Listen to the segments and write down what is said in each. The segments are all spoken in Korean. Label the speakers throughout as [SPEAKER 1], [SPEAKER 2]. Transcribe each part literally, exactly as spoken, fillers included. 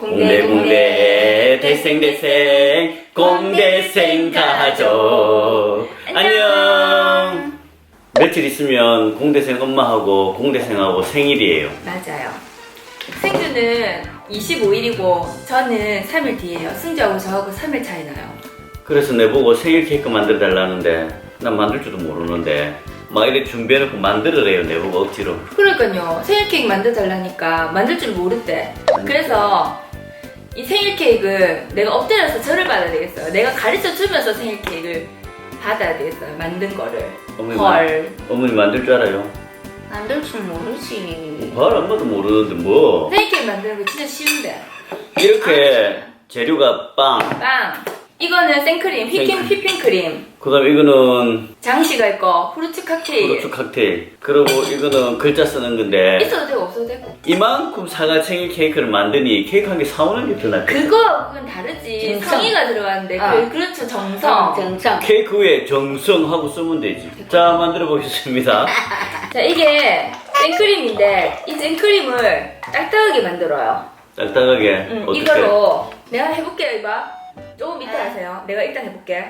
[SPEAKER 1] 공대공대 대생대생 공대생 가족 안녕. 며칠 있으면 공대생 엄마하고 공대생하고 생일이에요.
[SPEAKER 2] 맞아요. 승주는 이십오일이고 저는 삼 일 뒤에요. 승주하고 저하고 삼 일 차이 나요.
[SPEAKER 1] 그래서 내보고 생일 케이크 만들어 달라는데 난 만들 줄도 모르는데 막 이렇게 준비해놓고 만들어래요. 내보고 억지로.
[SPEAKER 2] 그러니까요. 생일 케이크 만들어 달라니까 만들 줄 모르대. 그래서 이 생일 케이크 내가 엎드려서 절을 받아야 되겠어요. 내가 가르쳐 주면서 생일 케이크를 받아야 되겠어요. 만든 거를.
[SPEAKER 1] 어머니,
[SPEAKER 2] 헐.
[SPEAKER 1] 만, 어머니 만들 줄 알아요?
[SPEAKER 3] 만들 줄 모르지.
[SPEAKER 1] 헐 엄마도 모르는데 뭐
[SPEAKER 2] 생일 케이크 만드는 거 진짜 쉬운데.
[SPEAKER 1] 이렇게 재료가 빵,
[SPEAKER 2] 빵. 이거는 생크림, 휘핑,
[SPEAKER 1] 생크림.
[SPEAKER 2] 휘핑크림.
[SPEAKER 1] 그 다음에 이거는
[SPEAKER 2] 장식가 있고 후르츠 칵테일.
[SPEAKER 1] 후르츠 칵테일, 그리고 이거는 글자 쓰는 건데
[SPEAKER 2] 있어도 되고 없어도 되고.
[SPEAKER 1] 이만큼 사과 생일 케이크를 만드니 케이크 한 개 사오는 게 더 낫겠다.
[SPEAKER 2] 그거 그건 다르지.
[SPEAKER 3] 정성.
[SPEAKER 2] 성의가 들어가는데
[SPEAKER 3] 어.
[SPEAKER 2] 그 그렇죠 정성.
[SPEAKER 3] 정성.
[SPEAKER 1] 케이크 위에 정성하고 쓰면 되지. 자, 만들어 보겠습니다.
[SPEAKER 2] 자 이게 생크림인데 이 생크림을 딱딱하게 만들어요.
[SPEAKER 1] 딱딱하게.
[SPEAKER 2] 응,
[SPEAKER 1] 어떻게?
[SPEAKER 2] 이걸로 내가 해볼게요. 이봐. 조금 이따 하세요. 내가 일단 해볼게.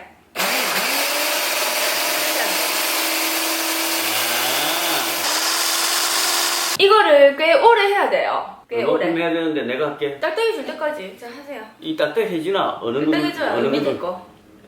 [SPEAKER 2] 이거를 꽤 오래 해야 돼요. 꽤 오래.
[SPEAKER 1] 이만큼 해야 되는데 내가 할게.
[SPEAKER 2] 딱딱해질 때까지. 자 하세요.
[SPEAKER 1] 이 딱딱해지나? 어느 정도?
[SPEAKER 2] 딱딱해져요.
[SPEAKER 1] 어느
[SPEAKER 2] 밑에
[SPEAKER 1] 정도?
[SPEAKER 2] 거.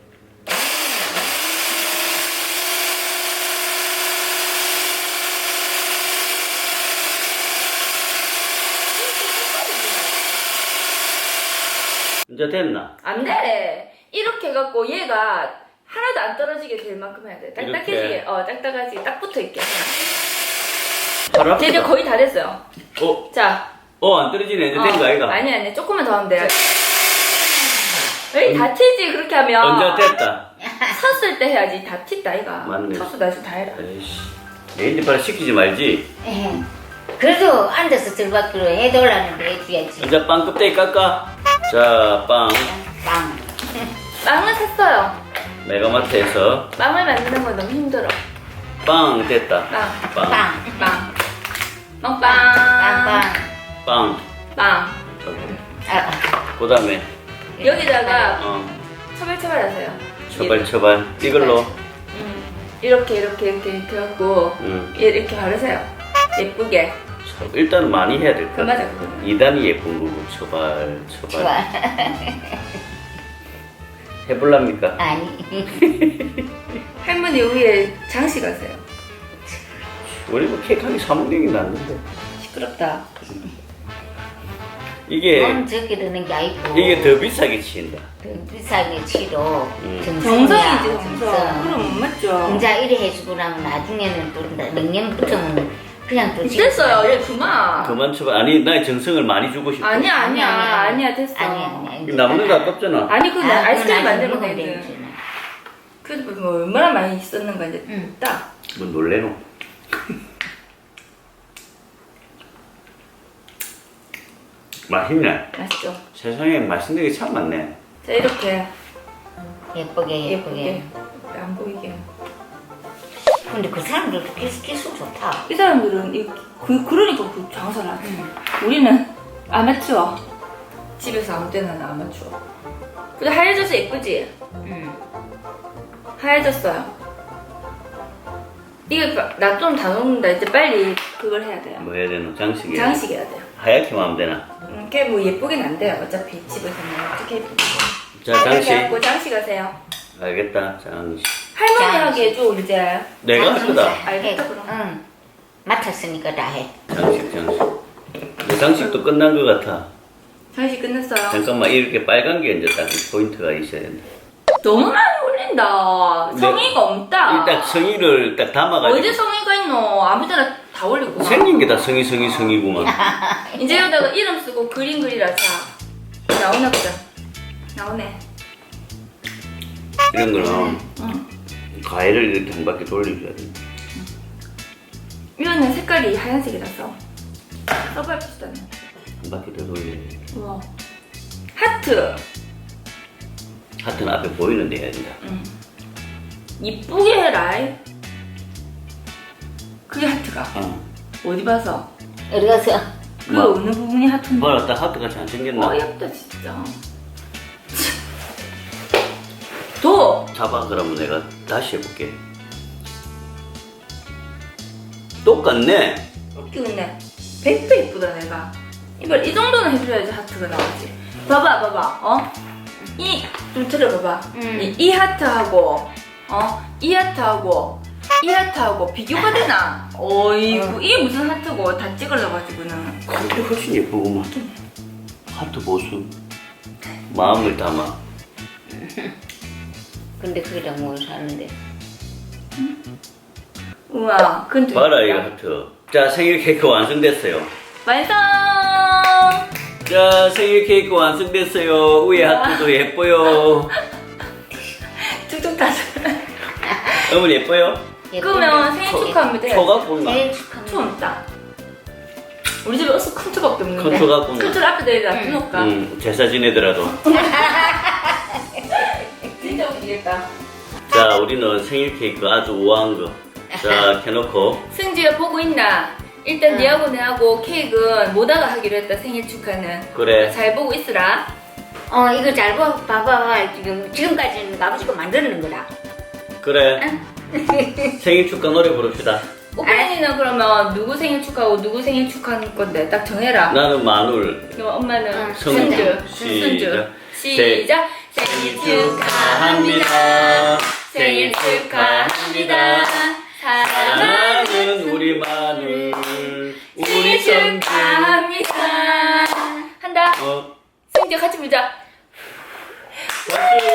[SPEAKER 1] 이제 됐나?
[SPEAKER 2] 안 돼. 이렇게 해갖고 얘가 하나도 안 떨어지게 될 만큼 해야 돼. 딱딱해지게.
[SPEAKER 1] 이렇게?
[SPEAKER 2] 어, 딱딱하지. 딱 붙어 있게.
[SPEAKER 1] 바로 앞에.
[SPEAKER 2] 자, 이제 거의 다 됐어요.
[SPEAKER 1] 어?
[SPEAKER 2] 자.
[SPEAKER 1] 어, 안 떨어지네. 이제 된 거 아이가?
[SPEAKER 2] 아니, 아니. 조금만 더 하면 돼요. 여기 다 튀지, 그렇게 하면.
[SPEAKER 1] 언제 됐다?
[SPEAKER 2] 섰을 때 해야지. 다 튄다, 이가.
[SPEAKER 1] 맞네.
[SPEAKER 2] 섰어, 나서 다 해라.
[SPEAKER 1] 에이씨. 내 이제 바로 시키지 말지.
[SPEAKER 3] 에헤. 그래도 앉아서 들받기로 해달라는데 해줘야지.
[SPEAKER 1] 이제 빵 껍데기 깎아. 자, 빵.
[SPEAKER 3] 빵.
[SPEAKER 2] 빵은 샀어요.
[SPEAKER 1] 메가마트에서
[SPEAKER 2] 빵을 만드는 건 너무 힘들어.
[SPEAKER 1] 빵 됐다.
[SPEAKER 2] 빵.
[SPEAKER 1] 빵.
[SPEAKER 3] 빵.
[SPEAKER 2] 빵. 빵빵.
[SPEAKER 3] 빵빵.
[SPEAKER 1] 빵.
[SPEAKER 2] 빵.
[SPEAKER 3] 아,
[SPEAKER 1] 그 다음에,
[SPEAKER 2] 여기다가
[SPEAKER 1] 어,
[SPEAKER 2] 처발처발 하세요.
[SPEAKER 1] 처발, 처발. 이걸로.
[SPEAKER 2] 음, 이렇게, 이렇게, 이렇게, 이렇게 해갖고,
[SPEAKER 1] 음.
[SPEAKER 2] 이렇게 바르세요. 예쁘게.
[SPEAKER 1] 처- 일단 많이 해야 될
[SPEAKER 2] 그
[SPEAKER 1] 것
[SPEAKER 2] 맞아,
[SPEAKER 1] 같아.
[SPEAKER 2] 그거.
[SPEAKER 1] 이 단이 예쁜 거고, 처발, 처발.
[SPEAKER 3] 좋아.
[SPEAKER 1] 해볼랍니까?
[SPEAKER 3] 아니.
[SPEAKER 2] 할머니 위에 장식하세요.
[SPEAKER 1] 우리 뭐 케이크 한개 사먹는 게 낫는데.
[SPEAKER 2] 시끄럽다.
[SPEAKER 1] 이게,
[SPEAKER 3] 넌 저기르는 게 아니고.
[SPEAKER 1] 이게 더 비싸게 치인다.
[SPEAKER 3] 더 비싸게 치도
[SPEAKER 1] 음.
[SPEAKER 3] 정성이야.
[SPEAKER 2] 정성이지, 정성. 그럼 못 맞죠.
[SPEAKER 3] 혼자 이래 해주고 나면 나중에는 또 맹년 붙으면 그냥 또
[SPEAKER 2] 됐어요. 얘 그만.
[SPEAKER 1] 그만 쳐봐. 아니, 나의 정성을 많이 주고 싶어.
[SPEAKER 2] 아니야, 아니야.
[SPEAKER 3] 아니, 아니.
[SPEAKER 2] 아니야, 됐어.
[SPEAKER 3] 아니 아니 아니.
[SPEAKER 1] 남는 거 아깝잖아.
[SPEAKER 2] 아니, 그
[SPEAKER 3] 아,
[SPEAKER 2] 아이스크림
[SPEAKER 3] 그건
[SPEAKER 2] 만들면
[SPEAKER 3] 먹으면
[SPEAKER 2] 되지.
[SPEAKER 3] 되지.
[SPEAKER 2] 그래도 뭐 얼마나 많이 썼는가 이제
[SPEAKER 3] 응.
[SPEAKER 2] 딱.
[SPEAKER 1] 뭐 놀래노? 맛있네.
[SPEAKER 2] 맛있죠?
[SPEAKER 1] 세상에 맛있는 게 참 많네.
[SPEAKER 2] 자, 이렇게
[SPEAKER 3] 예쁘게
[SPEAKER 2] 예쁘게.
[SPEAKER 3] 예쁘게.
[SPEAKER 2] 안 보이게.
[SPEAKER 3] 근데 그 사람들 기술 기술 좋다.
[SPEAKER 2] 이 사람들은 이, 그, 그러니까 그 장사를 하지. 우리는 아마추어. 집에서 아무 때나 나 아마추어. 근데 하얘져서 예쁘지?
[SPEAKER 3] 응.
[SPEAKER 2] 하얘졌어요. 이게 나 좀 다 녹는다. 이제 빨리 그걸 해야 돼요.
[SPEAKER 1] 뭐 해야 되노? 장식이.
[SPEAKER 2] 장식해야 돼요.
[SPEAKER 1] 하얗게만 하면 되나?
[SPEAKER 2] 음, 걔 뭐 예쁘긴 안 돼요. 어차피 집에서는 어떻게 예쁘게.
[SPEAKER 1] 자,
[SPEAKER 2] 이렇게
[SPEAKER 1] 장식.
[SPEAKER 2] 하고 장식하세요.
[SPEAKER 1] 알겠다. 장식.
[SPEAKER 2] 할머니 하게 해줘 이제.
[SPEAKER 1] 내가 할 거다.
[SPEAKER 2] 알겠다,
[SPEAKER 3] 해.
[SPEAKER 2] 그럼.
[SPEAKER 3] 응. 맡았으니까 다 해.
[SPEAKER 1] 장식, 장식. 내 장식도 끝난 것 같아.
[SPEAKER 2] 장식 끝냈어요.
[SPEAKER 1] 잠깐만, 이렇게 빨간 게 이제 딱 포인트가 있어야 된다.
[SPEAKER 2] 너무 많이 올린다.
[SPEAKER 1] 네.
[SPEAKER 2] 성의가 없다.
[SPEAKER 1] 일단 성의를 딱 담아가지고.
[SPEAKER 2] 어디 성의가 있노? 아무 데나 다 올리고.
[SPEAKER 1] 생긴 게 다 성의, 성의, 성의구만.
[SPEAKER 2] 이제 여기다가 이름 쓰고 그림 그리라. 자, 나오나 보자. 나오네.
[SPEAKER 1] 이런 거는
[SPEAKER 2] 응.
[SPEAKER 1] 과일을 이렇게 한 바퀴 돌려줘야 돼.
[SPEAKER 2] 이거는 색깔이 하얀색이라서 써봐야 비슷하네.
[SPEAKER 1] 한 바퀴 더 돌려야 돼.
[SPEAKER 2] 우와. 하트.
[SPEAKER 1] 하트는 앞에 보이는 데 해야 된다.
[SPEAKER 2] 응. 이쁘게 해라. 그게 하트가.
[SPEAKER 1] 어.
[SPEAKER 2] 어디 봐서?
[SPEAKER 3] 어디 가서
[SPEAKER 2] 그
[SPEAKER 1] 뭐?
[SPEAKER 2] 어느 부분이 하트인데?
[SPEAKER 1] 뭐라 딱 하트같이 안 생겼나?
[SPEAKER 2] 어이없다 진짜. 도!
[SPEAKER 1] 잡아 그러면 내가 다시 해볼게. 똑같네.
[SPEAKER 2] 웃기겠네. 백 배 이쁘다 내가. 이걸 이 정도는 해줘야지 하트가 나오지. 봐봐 봐봐 어? 이 좀 들어봐봐.
[SPEAKER 3] 음.
[SPEAKER 2] 이, 이 하트하고 어? 이 하트하고 이 하트하고 비교가 되나? 어이구
[SPEAKER 3] 어.
[SPEAKER 2] 이게 무슨 하트고 다 찍을러가지고는.
[SPEAKER 1] 그게 훨씬 예쁘구만. 하트 보수. 마음을 담아.
[SPEAKER 3] 근데 그게 뭐 사는데.
[SPEAKER 2] 우와 그건 좀
[SPEAKER 1] 봐라 이
[SPEAKER 2] 이쁘다.
[SPEAKER 1] 하트. 자 생일 케이크 완성됐어요.
[SPEAKER 2] 완성!
[SPEAKER 1] 자 생일 케이크 완성됐어요. 위에 하트도 예뻐요.
[SPEAKER 2] 툭툭 타서.
[SPEAKER 1] 어머니 예뻐요?
[SPEAKER 2] 그러면 생일 축하합니다.
[SPEAKER 1] 초가 꿀맛.
[SPEAKER 3] 생일 축하합니다.
[SPEAKER 2] 초 없다. 우리 집에 어서 큰 초밖에 없는데.
[SPEAKER 1] 큰 초가 꿀맛.
[SPEAKER 2] 큰 초를 앞에다 여기다 놔놓을까?
[SPEAKER 1] 응, 제사 지내더라도.
[SPEAKER 2] 진짜 웃기겠다.
[SPEAKER 1] 자, 우리는 생일 케이크 아주 우아한 거. 자, 켜놓고.
[SPEAKER 2] 승지가 보고 있나? 일단
[SPEAKER 3] 응.
[SPEAKER 2] 니하고 내하고 케이크는 모다가 하기로 했다. 생일 축하는.
[SPEAKER 1] 그래.
[SPEAKER 2] 잘 보고 있으라.
[SPEAKER 3] 어 이거 잘 봐, 봐봐. 지금 지금까지는 아버지가 만드는 거다.
[SPEAKER 1] 그래. 생일 축하 노래 부릅시다.
[SPEAKER 2] 오빠니는 그러면 누구 생일 축하하고 누구 생일 축하하는 건데 딱 정해라.
[SPEAKER 1] 나는 마눌.
[SPEAKER 2] 그럼 엄마는
[SPEAKER 3] 응,
[SPEAKER 2] 승주.
[SPEAKER 1] 승주.
[SPEAKER 2] 승주.
[SPEAKER 1] 시작.
[SPEAKER 2] 시작. 생일 축하합니다. 생일 축하합니다. 사랑하는
[SPEAKER 1] 사랑하는 우리 마눌. 우리
[SPEAKER 2] 생일
[SPEAKER 1] 성주.
[SPEAKER 2] 축하합니다. 한다.
[SPEAKER 1] 어,
[SPEAKER 2] 승주 같이 불자.
[SPEAKER 1] 박수.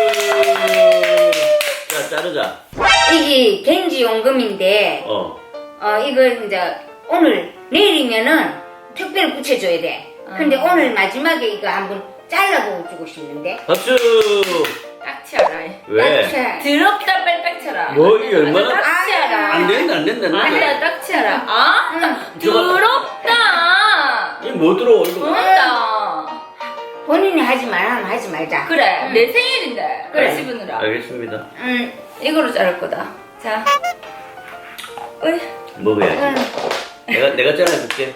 [SPEAKER 1] 자, 자르자.
[SPEAKER 3] 이게 겐지 용금인데
[SPEAKER 1] 어.
[SPEAKER 3] 어 이걸 이제 오늘 내일이면은 특별히 붙여줘야 돼. 근데
[SPEAKER 2] 아.
[SPEAKER 3] 오늘 마지막에 이거 한번 잘라보고 주고 싶는데.
[SPEAKER 1] 박수.
[SPEAKER 2] 딱 치아라.
[SPEAKER 1] 왜?
[SPEAKER 3] 딱
[SPEAKER 2] 더럽다 빨리 딱 치아라.
[SPEAKER 1] 뭐, 이게 얼마나-
[SPEAKER 2] 딱 치아라.
[SPEAKER 1] 안 된다, 안 된다, 안 된다.
[SPEAKER 2] 아니야 딱 치아라. 아?
[SPEAKER 3] 응.
[SPEAKER 2] 더럽다.
[SPEAKER 1] 이게 뭐 들어오, 이거.
[SPEAKER 2] 더럽다.
[SPEAKER 3] 본인이 하지 말라면 하지 말자.
[SPEAKER 2] 그래
[SPEAKER 3] 응.
[SPEAKER 2] 내 생일인데
[SPEAKER 1] 그래.
[SPEAKER 2] 그래 씹으느라.
[SPEAKER 1] 알겠습니다.
[SPEAKER 3] 응.
[SPEAKER 2] 이거로 자를 거다. 자. 어이.
[SPEAKER 1] 먹어야지.
[SPEAKER 3] 응.
[SPEAKER 1] 내가, 내가 잘라줄게.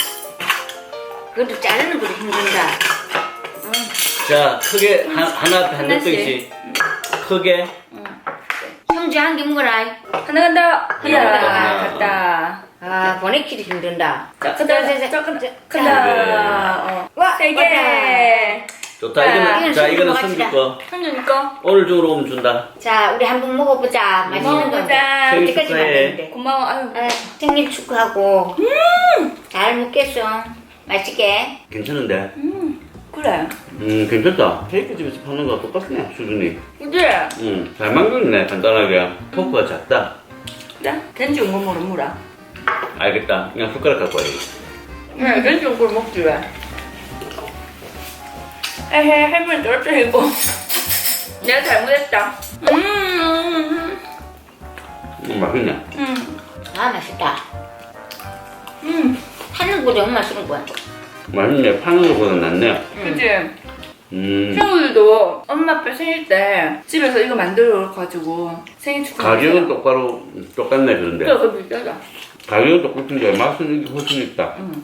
[SPEAKER 3] 그것도 자르는 것도 힘든다. 응.
[SPEAKER 1] 자, 크게, 한, 하나 앞에 한
[SPEAKER 2] 하나씩.
[SPEAKER 1] 덩씩. 크게.
[SPEAKER 3] 형제 한 개 먹어라.
[SPEAKER 2] 하나 간다.
[SPEAKER 1] 하나
[SPEAKER 2] 하나
[SPEAKER 1] 간다.
[SPEAKER 2] 갔다.
[SPEAKER 3] 아 보내기도 힘든다.
[SPEAKER 2] 자,
[SPEAKER 3] 자,
[SPEAKER 2] 간다.
[SPEAKER 3] 자, 자,
[SPEAKER 2] 자, 간다.
[SPEAKER 3] 자,
[SPEAKER 2] 간다. 어.
[SPEAKER 3] 와,
[SPEAKER 2] 세
[SPEAKER 3] 왔다.
[SPEAKER 2] 개.
[SPEAKER 1] 좋다.
[SPEAKER 2] 자,
[SPEAKER 1] 이거는,
[SPEAKER 3] 이건
[SPEAKER 1] 자,
[SPEAKER 3] 손으로
[SPEAKER 1] 이거는
[SPEAKER 3] 같이
[SPEAKER 1] 성주 거.
[SPEAKER 2] 현주니까
[SPEAKER 1] 오늘 중으로 오면 준다.
[SPEAKER 3] 자, 우리 한번 먹어보자. 맛있는 건데.
[SPEAKER 2] 먹어보자.
[SPEAKER 1] 생일
[SPEAKER 3] 언제까지
[SPEAKER 1] 축하해.
[SPEAKER 3] 만드는데.
[SPEAKER 2] 고마워. 아유.
[SPEAKER 3] 아, 생일 축하하고. 잘 먹겠어. 맛있게.
[SPEAKER 1] 괜찮은데?
[SPEAKER 2] 그래.
[SPEAKER 1] 음, 괜찮다. 케이크 집에서 파는 거랑 똑같네, 수준이.
[SPEAKER 2] 그치?
[SPEAKER 1] 음, 잘 만들었네, 간단하게. 포크가 작다.
[SPEAKER 2] 자, 겐지 온거 모르 물어.
[SPEAKER 1] 알겠다. 그냥 숟가락 갖고 와야지.
[SPEAKER 2] 응, 겐지 온걸 먹지 왜? 에헤, 할머니 떨어뜨리고. 내가 잘못했다. 음,
[SPEAKER 1] 음, 맛있네.
[SPEAKER 2] 음,
[SPEAKER 3] 아, 맛있다.
[SPEAKER 2] 음.
[SPEAKER 3] 하는 거보다 엄마 쓰는 거야.
[SPEAKER 1] 맛있네. 파는 거보다 낫네.
[SPEAKER 2] 그치?
[SPEAKER 1] 음.
[SPEAKER 2] 친구들도 엄마 아빠 생일 때 집에서 이거 만들어가지고 생일 축하.
[SPEAKER 1] 가격은 똑바로, 똑같네, 그런데.
[SPEAKER 2] 그래, 그거 비싸다.
[SPEAKER 1] 가격은 똑같은데 맛은 이게 훨씬 있다.
[SPEAKER 2] 응.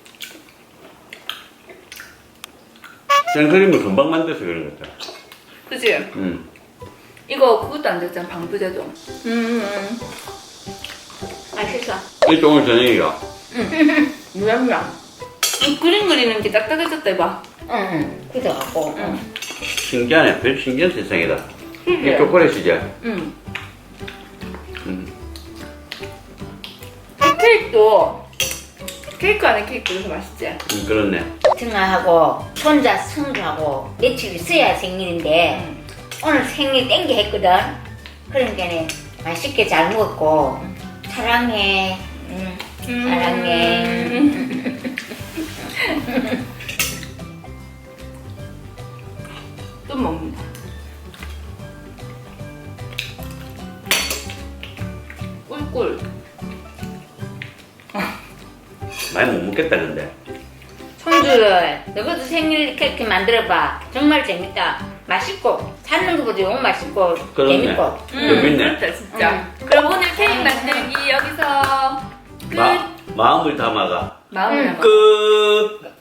[SPEAKER 1] 생크림을 금방 만들어서 그런 것 같아.
[SPEAKER 2] 그치?
[SPEAKER 1] 음.
[SPEAKER 2] 이거 그것도 안 됐잖아, 방부제도. 음, 음.
[SPEAKER 3] 맛있어.
[SPEAKER 1] 이게 오늘 저녁이야.
[SPEAKER 2] 뭐야, 뭐야. 이 그림 그리는 게 딱딱해졌다, 이봐.
[SPEAKER 3] 응, 응. 그래갖고.
[SPEAKER 2] 응.
[SPEAKER 1] 신기하네. 별 신기한 세상이다. 이
[SPEAKER 2] 그래.
[SPEAKER 1] 초콜릿이지?
[SPEAKER 2] 응.
[SPEAKER 1] 음.
[SPEAKER 2] 이 케이크도 케이크 안에 케이크도 더 맛있지?
[SPEAKER 1] 음, 그렇네.
[SPEAKER 3] 승아하고 손자 승주하고 며칠 있어야 생일인데
[SPEAKER 2] 응.
[SPEAKER 3] 오늘 생일 땡겨 했거든. 그러니까 맛있게 잘 먹었고 사랑해. 응. 사랑해.
[SPEAKER 2] 음. 또 먹는다. 꿀꿀.
[SPEAKER 1] 많이 못 먹겠다, 근데.
[SPEAKER 3] 손주를 너희도 생일 케이크 만들어봐. 정말 재밌다. 맛있고 사는 것보다 너무 맛있고
[SPEAKER 1] 그러네.
[SPEAKER 3] 재밌고.
[SPEAKER 1] 재밌네.
[SPEAKER 2] 그렇다, 진짜. 그럼 오늘 케이크 만들기 여기서 끝.
[SPEAKER 1] 마, 마음을 담아가.
[SPEAKER 2] 마음을
[SPEAKER 3] 응.
[SPEAKER 2] 해봐.
[SPEAKER 1] 끝.